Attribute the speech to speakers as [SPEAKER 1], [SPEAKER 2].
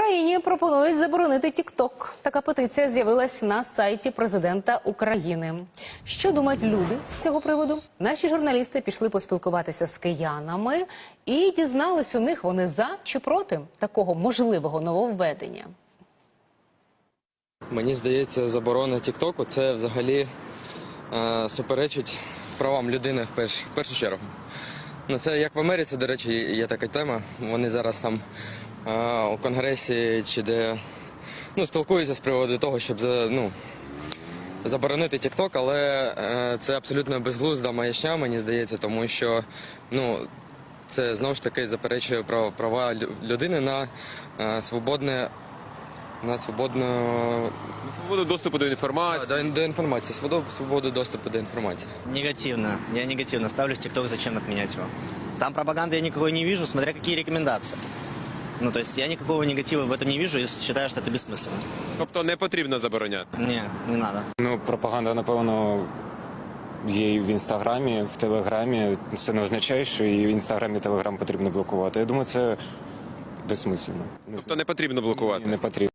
[SPEAKER 1] Україні пропонують заборонити TikTok. Така петиція з'явилась на сайті президента України. Що думають люди з цього приводу? Наші журналісти пішли поспілкуватися з киянами і дізнались у них, вони за чи проти такого можливого нововведення.
[SPEAKER 2] Мені здається, заборона TikTok – це взагалі суперечить правам людини в першу чергу. Ну, це як в Америці, до речі, є така тема. Вони зараз там у Конгресі чи де спілкуються з приводу того, щоб заборонити TikTok, але це абсолютно безглузда маячня, мені здається, тому що це знову ж таки заперечує права людини на свободу
[SPEAKER 3] доступу до інформації.
[SPEAKER 2] До інформації, свободу доступу до інформації.
[SPEAKER 4] Негативно. Я негативно ставлюсь TikTok, зачем отменять его. Там пропаганды я никакой не вижу, смотря какие рекомендации. То есть я никакого негатива в этом не вижу и считаю, что это бессмысленно.
[SPEAKER 3] Тобто не потрібно забороняти?
[SPEAKER 4] Не надо.
[SPEAKER 5] Пропаганда, напевно, є і в Інстаграмі, в Телеграмі. Це не означає, що і в Інстаграмі, і Телеграм потрібно блокувати. Я думаю, це безсмислено.
[SPEAKER 3] Тобто не потрібно блокувати?
[SPEAKER 5] Не потрібно.